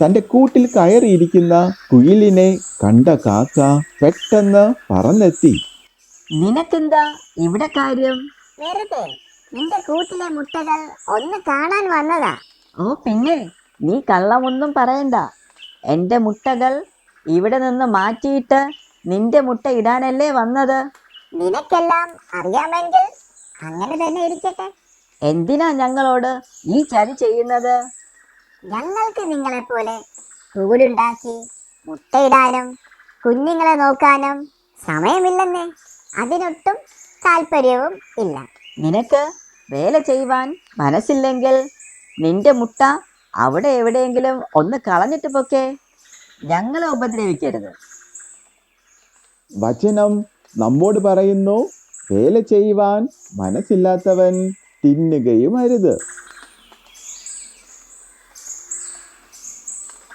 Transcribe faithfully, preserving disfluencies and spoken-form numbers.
തന്റെ കൂട്ടിൽ കയറിയിരിക്കുന്ന കുയിലിനെ കണ്ട കാക്ക പെട്ടെന്ന് പറന്നെത്തി. നിനക്കെന്താ ഇവിടെ കാര്യം? വെറുതെ നിന്റെ കൂട്ടിലെ മുട്ടകൾ ഒന്ന് കാണാൻ വന്നതാ. ഓ പിന്നെ, നീ കള്ളമൊന്നും പറയണ്ട. എൻ്റെ മുട്ടകൾ ഇവിടെ നിന്ന് മാറ്റിയിട്ട് നിന്റെ മുട്ട ഇടാനല്ലേ വന്നത്. നിനക്കെല്ലാം അറിയാമെങ്കിൽ അങ്ങനെ തന്നെ ഇരിക്കട്ടെ. എന്തിനാ ഞങ്ങളോട് ഈ ചതി ചെയ്യുന്നത്? ഞങ്ങൾക്ക് നിങ്ങളെപ്പോലെ കൂടുണ്ടാക്കി മുട്ടയിടാനും കുഞ്ഞുങ്ങളെ നോക്കാനും സമയമില്ലെന്നേ. അതിനൊട്ടും താല്പര്യവും ഇല്ല. നിനക്ക് വേല ചെയ്യുവാൻ മനസ്സില്ലെങ്കിൽ നിന്റെ മുട്ട അവിടെ എവിടെയെങ്കിലും ഒന്ന് കളഞ്ഞിട്ട് പൊക്കെ. ഞങ്ങളെ ഉപദ്രവിക്കരുത്. വചനം നമ്മോട് പറയുന്നു, വേല ചെയ്യുവാൻ മനസ്സില്ലാത്തവൻ തിന്നുകയും അരുത്.